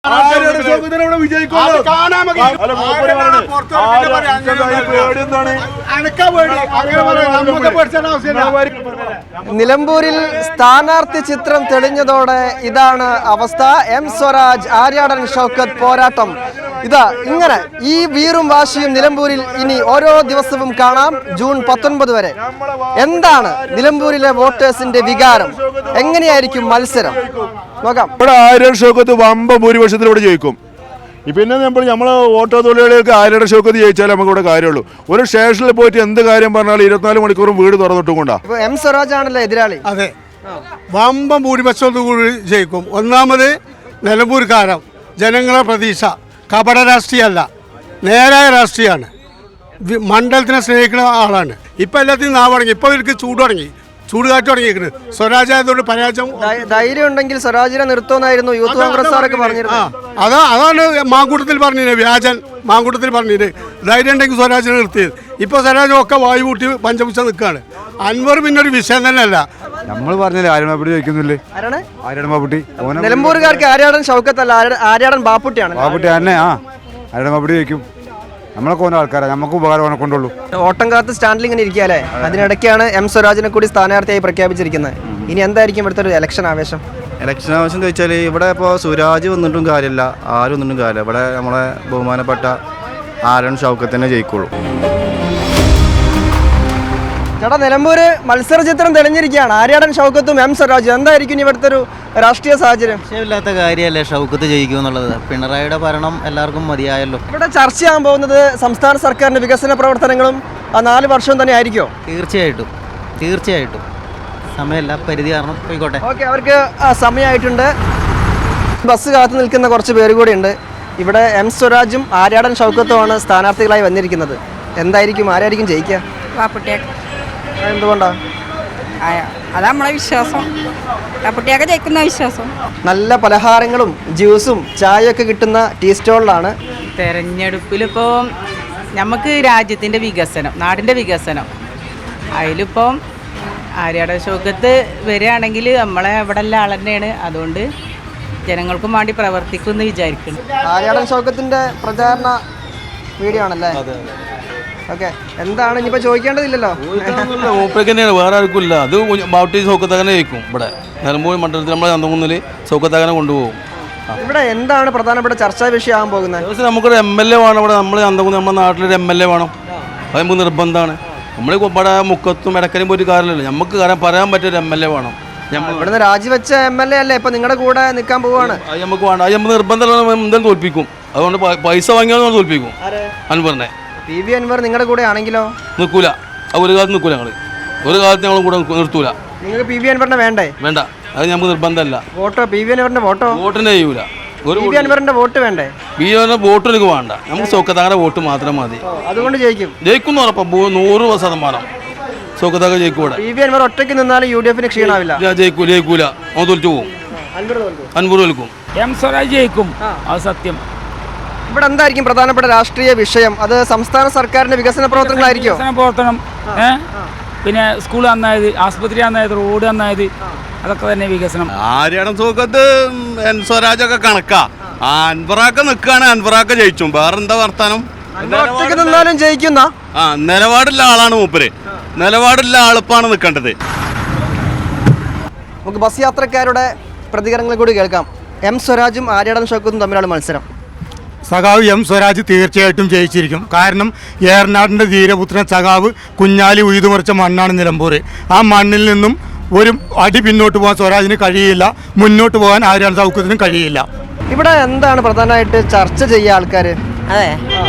നിലമ്പൂരിൽ സ്ഥാനാർത്ഥി ചിത്രം തെളിഞ്ഞതോടെ ഇതാണ് അവസ്ഥ. എം സ്വരാജ് ആര്യാടൻ ഷൗക്കത്ത് പോരാട്ടം ഇതാ ഇങ്ങനെ. ഈ വീറും വാശിയും നിലമ്പൂരിൽ ഇനി ഓരോ ദിവസവും കാണാം. ജൂൺ 19 വരെ എന്താണ് നിലമ്പൂരിലെ വോട്ടേഴ്സിന്റെ വികാരം, എങ്ങനെയായിരിക്കും മത്സരം നോക്കാം. ഇവിടെ ആര്യാടൻ ഷൗക്കത്ത് വമ്പ ഭൂരിപക്ഷത്തിലൂടെ ജയിക്കും. പിന്നെ നമ്മളെ ഓട്ടോ തൊഴിലാളികൾക്ക് ആര്യാടൻ ഷൗക്കത്ത് ജയിച്ചാലേ നമുക്ക് ഇവിടെ കാര്യമുള്ളൂ. ഒരു സ്റ്റേഷനിൽ പോയിട്ട് എന്ത് കാര്യം പറഞ്ഞാലും 24 മണിക്കൂറും വീട് തുറന്നിട്ടും കൊണ്ടാ. എം സ്വരാജ് ആണല്ലോ എതിരാളി. അതെ, വമ്പ ഭൂരിപക്ഷത്തോടുകൂടി ജയിക്കും. ഒന്നാമത് നിലമ്പൂർക്കാരം ജനങ്ങളെ പ്രതീക്ഷ കപട രാഷ്ട്രീയമല്ല, നേരായ രാഷ്ട്രീയമാണ്. മണ്ഡലത്തിനെ സ്നേഹിക്കുന്ന ആളാണ്. ഇപ്പം എല്ലാത്തിനും നാവടങ്ങി, ഇപ്പോൾ ഇവർക്ക് ചൂട് തുടങ്ങി, ചൂട് കാറ്റ് തുടങ്ങിയിരിക്കുന്നത്. സ്വരാജ് ആയതുകൊണ്ട് പരാജയം. ധൈര്യം ഉണ്ടെങ്കിൽ സ്വരാജിനെ നിർത്തുമെന്നായിരുന്നു യൂത്ത് കോൺഗ്രസ്സുകാരൊക്കെ പറഞ്ഞിരുന്നത്. അതാണ് മാങ്കൂട്ടത്തിൽ പറഞ്ഞത്, വ്യാജൻ മാങ്കൂട്ടത്തിൽ പറഞ്ഞത്. ധൈര്യം ഉണ്ടെങ്കിൽ സ്വരാജിനെ നിർത്തിയത്. ഇപ്പോൾ സ്വരാജ് ഒക്കെ വായു കൂട്ടി പഞ്ചപുച്ച നിൽക്കുകയാണ്. അൻവർ പിന്നെ ഒരു വിഷയം തന്നെ അല്ല. നമ്മൾ പറഞ്ഞില്ലേ ആര്യാടൻ ബാപ്പുട്ടി ജയിക്കുന്നില്ലേ? ആര്യാടൻ ബാപ്പുട്ടി നിലമ്പൂരുകാർക്ക് ആര്യാടൻ ഷൗക്കത്തല്ല, ആര്യാടൻ ബാപ്പുട്ടിയാണ്. ബാപ്പുട്ടി തന്നെ. ആര്യാടൻ ബാപ്പുട്ടി ജയിക്കും. നമ്മളൊക്കെ ഓരോ ആൾക്കാരാണ്, നമുക്ക് ഉപകാരം കൊണ്ടുള്ളൂ. ഓട്ടം കാത്ത് സ്റ്റാൻഡിൽ ഇങ്ങനെ ഇരിക്കാല്ലേ, അതിനിടയ്ക്കാണ് എം സ്വരാജിനെ കൂടി സ്ഥാനാർത്ഥിയായി പ്രഖ്യാപിച്ചിരിക്കുന്നത്. ഇനി എന്തായിരിക്കും ഇവിടുത്തെ ഒരു ഇലക്ഷൻ ആവേശം? ഇലക്ഷൻ ആവേശം എന്ന് വെച്ചാൽ ഇവിടെ ഇപ്പോൾ സ്വരാജ് വന്നിട്ടും കാര്യമില്ല, ആരും വന്നിട്ടും കാര്യമില്ല. ഇവിടെ നമ്മളെ ബഹുമാനപ്പെട്ട ആര്യാടൻ ഷൗക്കത്ത് തന്നെ ജയിക്കുള്ളൂ. ചേട്ടാ, നിലമ്പൂര് മത്സര ചിത്രം തെളിഞ്ഞിരിക്കുകയാണ്. ആര്യാടൻ ഷൗക്കത്തും എം സ്വരാജും. എന്തായിരിക്കും ഇവിടുത്തെ ഒരു രാഷ്ട്രീയ സാഹചര്യം? വിഷയമില്ലാത്ത കാര്യമല്ലേ ഷൗക്കത്ത് ജയിക്കും എന്നുള്ളത്. പിണറായിയുടെ ഭരണം എല്ലാവർക്കും മതിയായല്ലോ. ഇവിടെ ചർച്ചയാകാൻ പോകുന്നത് സംസ്ഥാന സർക്കാരിന്റെ വികസന പ്രവർത്തനങ്ങളും 4 വർഷവും തന്നെ ആയിരിക്കുമോ? തീർച്ചയായിട്ടും സമയമല്ല, പരിധി കാരണം പോയിക്കോട്ടെ. ഓക്കെ, അവർക്ക് സമയമായിട്ടുണ്ട്. ബസ് കാത്തു നിൽക്കുന്ന കുറച്ച് പേര് കൂടി ഉണ്ട്. ഇവിടെ എം സ്വരാജും ആര്യാടൻ ഷൗക്കത്തുമാണ് സ്ഥാനാർത്ഥികളായി വന്നിരിക്കുന്നത്. എന്തായിരിക്കും, ആരായിരിക്കും ജയിക്കുക? എന്തുകൊണ്ടാ? അതാ നമ്മളെ വിശ്വാസം, കാപ്പുട്ടിയൊക്കെ ജയിക്കുന്ന വിശ്വാസം. നല്ല പലഹാരങ്ങളും ജ്യൂസും ചായയൊക്കെ കിട്ടുന്ന ടീ സ്റ്റോളിലാണ്. തെരഞ്ഞെടുപ്പിലിപ്പോൾ നമുക്ക് രാജ്യത്തിൻ്റെ വികസനം, നാടിൻ്റെ വികസനം, അതിലിപ്പം ആര്യാടൻ ഷൗക്കത്ത് വരികയാണെങ്കിൽ നമ്മളെ ഇവിടെ ഉള്ള ആൾ തന്നെയാണ്. അതുകൊണ്ട് ജനങ്ങൾക്കും വേണ്ടി പ്രവർത്തിക്കുമെന്ന് വിചാരിക്കുന്നു. ആര്യാടൻ ഷൗക്കത്തിൻ്റെ പ്രചാരണ വീഡിയോ ആണല്ലേ? ഓക്കെ, എന്താണ് ഇനിയിപ്പോൾ ചോദിക്കേണ്ടതില്ലല്ലോ. മൂപ്പർക്ക് തന്നെയാണ്, വേറെ ആർക്കും ഇല്ല. അത് ബാപ്പുട്ടി സൗക്കത്താകനെ ജയിക്കും. ഇവിടെ നിലമ്പൂർ മണ്ഡലത്തിൽ നമ്മളെ ചന്തകുന്നിൽ സൗക്കത്താകനെ കൊണ്ടുപോകും. ഇവിടെ എന്താണ് പ്രധാനപ്പെട്ട ചർച്ചാ വിഷയമാകാൻ പോകുന്നത്? നമുക്കൊരു MLA വേണം. ഇവിടെ നമ്മൾ ചന്തകുന്ന് നമ്മുടെ നാട്ടിലൊരു MLA വേണം. അത് നമുക്ക് നിർബന്ധമാണ്. നമ്മൾ ഇവിടെ മുക്കത്തും ഇടക്കലും പോയിട്ട് കാര്യമില്ലല്ലോ. നമുക്ക് പറയാൻ പറ്റിയൊരു MLA വേണം. ഇവിടുന്ന് രാജിവെച്ച MLA അല്ലേ ഇപ്പം നിങ്ങളുടെ കൂടെ നിൽക്കാൻ പോവാണ്? അത് നമുക്ക് വേണം. അത് നമുക്ക് നിർബന്ധമല്ല, എന്തായാലും തോൽപ്പിക്കും. അതുകൊണ്ട് പൈസ വാങ്ങിയാൽ തോൽപ്പിക്കും അൻവറിനെ. PV അൻവർ നിങ്ങളുടെ കൂടെ ആണെങ്കിലോ? നിൽക്കൂല. ഒരു കാലത്ത് നിൽക്കൂല. ഞങ്ങൾ ഒരു കാലത്ത് ഞങ്ങൾ കൂടെ നിർത്തൂല. നിങ്ങൾക്ക് PV അൻവറിനെ വേണ്ട? അത് നമുക്ക് നിർബന്ധമല്ല. വോട്ടോ PV അൻവറിന്റെ വോട്ടിനെ ചെയ്യൂല. PV അൻവറിന്റെ വോട്ട് വേണ്ടേ? വോട്ട് എനിക്ക് വേണ്ട. നമുക്ക് സൗക്കത്താകന്റെ വോട്ട് മാത്രം മതി. അതുകൊണ്ട് ജയിക്കും ഉറപ്പാ. 100% സൗക്കത്താക ജയിക്കും. PV അൻവർ ഒറ്റയ്ക്ക് നിന്നാലും UDF ക്ഷീണാവില്ല. ജയിക്കൂല. അവൻ തോൽച്ചു പോകും. അൻവർ തോൽക്കും. എം സ്വരാജ് ജയിക്കും, അത് സത്യം. ഇവിടെ എന്തായിരിക്കും പ്രധാനപ്പെട്ട രാഷ്ട്രീയ വിഷയം? അത് സംസ്ഥാന സർക്കാരിന്റെ വികസന പ്രവർത്തനങ്ങളായിരിക്കും. പ്രവർത്തനം, പിന്നെ സ്കൂൾ നന്നായത്, ആസ്പത്രി നന്നായത്, റോഡ് നന്നായത്, അതൊക്കെ തന്നെ വികസനം. ആര്യാടൻ ഷൗക്കത്ത് എൻ സ്വരാജൊക്കെ കണക്കാ. അൻവറാക്ക നിൽക്കുകയാണ്, അൻവറാക്ക ജയിച്ചു. വേറെന്താ വർത്താനം? നിന്നാലും ജയിക്കുന്ന നിലപാടുള്ള ആളാണ് മൂപ്പര്. നിലപാടുള്ള ആളിപ്പാണ് നിൽക്കേണ്ടത്. നമുക്ക് ബസ് യാത്രക്കാരുടെ പ്രതികരണങ്ങൾ കൂടി കേൾക്കാം. എം സ്വരാജും ആര്യാടൻ ഷൗക്കത്തും തമ്മിലാണ് മത്സരം. സഖാവ് എം സ്വരാജ് തീർച്ചയായിട്ടും ജയിച്ചിരിക്കും. കാരണം ഏറനാടിൻ്റെ ധീരപുത്രൻ സഖാവ് കുഞ്ഞാലി ഉഴുതുമറിച്ച മണ്ണാണ് നിലമ്പൂർ. ആ മണ്ണിൽ നിന്നും ഒരു അടി പിന്നോട്ട് പോകാൻ സ്വരാജിന് കഴിയില്ല, മുന്നോട്ട് പോകാൻ ആര്യാടൻ ഷൗക്കത്തിനും കഴിയില്ല. ഇവിടെ എന്താണ് പ്രധാനമായിട്ട് ചർച്ച ചെയ്യുക ആൾക്കാർ? അതെ,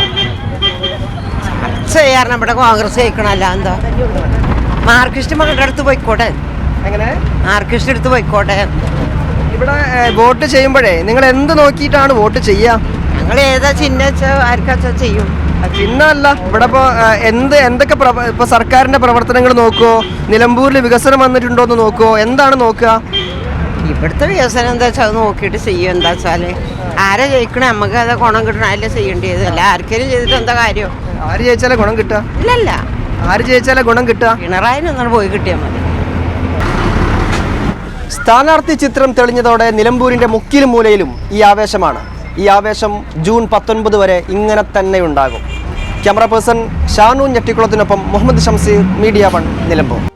ചർച്ച ചെയ്യാറ് ഇവിടെ കോൺഗ്രസ് ജയിക്കണമല്ല. എന്താ മാർക്സിസ്റ്റ് മകളുടെ അടുത്ത് പോയിക്കോട്ടെ. എങ്ങനെ? മാർക്സിസ്റ്റ് അടുത്ത് പോയിക്കോട്ടെ. ഇവിടെ വോട്ട് ചെയ്യുമ്പോഴേ നിങ്ങൾ എന്ത് നോക്കിയിട്ടാണ് വോട്ട് ചെയ്യുക? ഞങ്ങൾ ഏതാ ചിഹ്നം വെച്ചാൽ ആർക്കാച്ചാ ചെയ്യും. ചിഹ്നമല്ല, ഇവിടെ ഇപ്പോൾ എന്തൊക്കെ ഇപ്പോൾ സർക്കാരിൻ്റെ പ്രവർത്തനങ്ങൾ നോക്കുമോ? നിലമ്പൂരിൽ വികസനം വന്നിട്ടുണ്ടോ എന്ന് നോക്കുമോ? എന്താണ് നോക്കുക? ഇവിടുത്തെ വികസനം എന്താ വെച്ചാൽ അത് നോക്കിയിട്ട് ചെയ്യും. എന്താ വെച്ചാൽ ആരെ ജയിക്കണേ നമുക്ക് അത് ഗുണം കിട്ടണം, അല്ലേ ചെയ്യേണ്ടത്. അല്ല ആർക്കെങ്കിലും ചെയ്തിട്ട് എന്താ കാര്യം? ആര് ജയിച്ചാലേ ഗുണം കിട്ടുക? ഇല്ലല്ല, ആര് ജയിച്ചാലേ ഗുണം കിട്ടുക? പിണറായി ഒന്നും പോയി കിട്ടിയാൽ മതി. സ്ഥാനാർത്ഥി ചിത്രം തെളിഞ്ഞതോടെ നിലമ്പൂരിൻ്റെ മുക്കിലും മൂലയിലും ഈ ആവേശമാണ്. ഈ ആവേശം ജൂൺ 19 വരെ ഇങ്ങനെ തന്നെ ഉണ്ടാകും. ക്യാമറ പേഴ്സൺ ഷാനു ഞെട്ടിക്കുളത്തിനൊപ്പം മുഹമ്മദ് ഷംസീർ, മീഡിയ 1, നിലമ്പൂർ.